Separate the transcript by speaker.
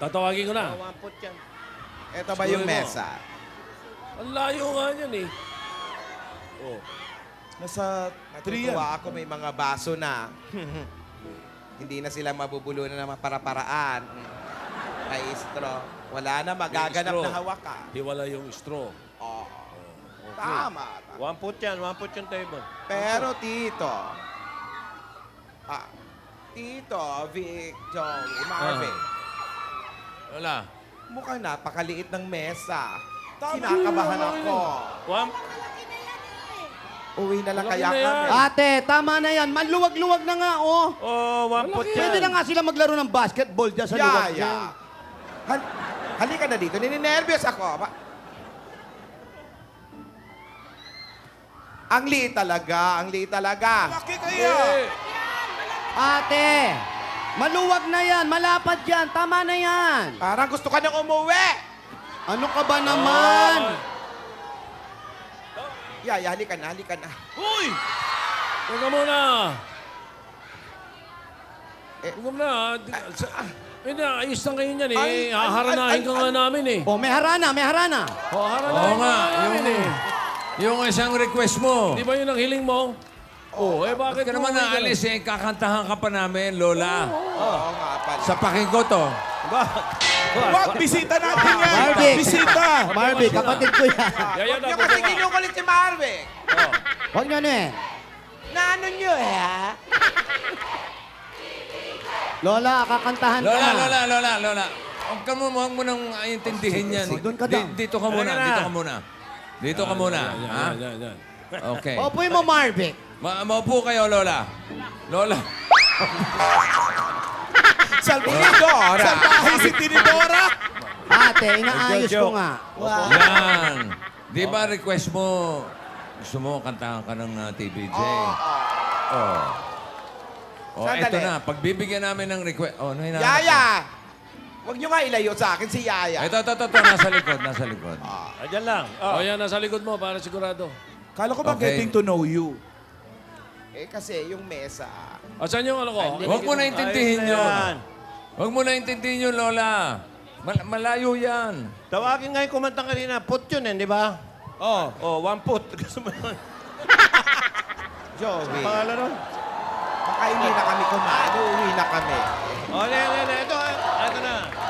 Speaker 1: Tatawagin ko na.
Speaker 2: Wamput yan.
Speaker 3: Ito ba yung
Speaker 1: Siguro mo.
Speaker 3: mesa?
Speaker 1: Ang layo nga yan eh. Oh.
Speaker 4: Nasa 3 yan.
Speaker 3: Natutuwa ako may mga baso na. Hindi na sila mabubulunan ng mga para-paraan. May straw. Wala na, magaganap
Speaker 1: straw.
Speaker 3: na hawakan.
Speaker 1: Hiwala yung straw.
Speaker 3: Oo.
Speaker 1: Okay.
Speaker 3: Tama.
Speaker 2: Wamput yan. Wamput yung table.
Speaker 3: Pero Tito, Tito, Vic, Joey, Marvin,
Speaker 1: Wala.
Speaker 3: mukhang napakaliit ng mesa. Kinakabahan ako. Uwi na lang
Speaker 1: Malaki
Speaker 3: kaya
Speaker 1: na yan.
Speaker 3: kami.
Speaker 5: Ate, tama na yan. Manluwag-luwag na nga, oh.
Speaker 2: Oh, wamput yan.
Speaker 5: Pwede na nga sila maglaro ng basketball dyan sa luwag
Speaker 3: Yaya.
Speaker 5: dyan.
Speaker 3: Halika na dito. Nininervyos ako. Ang liit talaga. Ang liit talaga.
Speaker 4: Laki kaya.
Speaker 5: Ate, maluwag na yan. Malapad yan. Tama na yan.
Speaker 3: Parang gusto ka nang umuwi.
Speaker 5: Ano ka ba naman?
Speaker 3: Yaya, halika na. Halika na.
Speaker 4: Uy!
Speaker 1: Teka muna.
Speaker 3: Eh,
Speaker 1: Teka muna. Hindi, ayos lang kayo niyan eh.
Speaker 3: Ay, ay,
Speaker 1: Haharanahin
Speaker 3: ay,
Speaker 1: ka
Speaker 3: ay,
Speaker 1: nga
Speaker 3: ay.
Speaker 1: namin eh.
Speaker 5: Oh, may harana, may harana.
Speaker 1: Haharanahin ka nga namin eh.
Speaker 6: Yung isang request mo.
Speaker 1: Di ba yun ang hiling mo? Oo, eh bakit
Speaker 6: Bakit ka naman
Speaker 1: mo-
Speaker 6: naalis eh? Kakantahan ka pa namin, Lola.
Speaker 3: Oo nga pala.
Speaker 6: Sa pakinggo to.
Speaker 4: Wag, bisita natin yan.
Speaker 5: Marvick.
Speaker 4: Bisita.
Speaker 5: Marvin, kapatid ko yan.
Speaker 1: Yaya
Speaker 3: Huwag
Speaker 1: na,
Speaker 3: niyo kasi
Speaker 1: baba.
Speaker 3: kinukulit si Marvick.
Speaker 5: Huwag nyo eh.
Speaker 3: Naano niyo eh, ha?
Speaker 5: Lola, kakantahan ka.
Speaker 6: Lola. Huwag mo nang intindihin yan.
Speaker 5: Doon ka daw.
Speaker 6: Dito ka muna,
Speaker 2: Halika na.
Speaker 6: dito ka muna. Dito ka muna.
Speaker 1: Yan,
Speaker 6: Ha?
Speaker 1: yan.
Speaker 6: Okay.
Speaker 5: Opuin mo, Marvick.
Speaker 6: Maupo kayo, Lola. Lola.
Speaker 3: Salvador.
Speaker 4: Salbahe si Tinidora.
Speaker 5: Ate, inaayos ko nga.
Speaker 6: Yan. Di ba request mo, gusto mo kantahan ka ng TVJ? Oh. Oh,
Speaker 3: Sandali.
Speaker 6: eto na. Pagbibigyan namin ng request. Oh, ano hinahanap mo?
Speaker 3: Yaya! Huwag niyo nga ilayo sa akin si Yaya.
Speaker 6: Ito. Nasa likod, nasa likod.
Speaker 2: Ayan lang.
Speaker 1: Oh, yan, nasa likod mo para sigurado.
Speaker 4: Kala ko ba
Speaker 6: Okay.
Speaker 4: getting to know you?
Speaker 3: Eh kasi yung mesa.
Speaker 1: Asan yung ano ko?
Speaker 6: Huwag mo na intindihin
Speaker 2: Ayos na
Speaker 6: yun.
Speaker 2: yan.
Speaker 6: Huwag mo na intindihin yun, Lola. Malayo yan.
Speaker 2: Tawagin nga yung kumantang kanina. Put yun eh, di ba? Oh, wamput. Gusto mo yun?
Speaker 3: Joey,
Speaker 2: Pangalan nun?
Speaker 3: baka hindi na kami kumain. Uuwi na kami.
Speaker 2: Oh, ito na.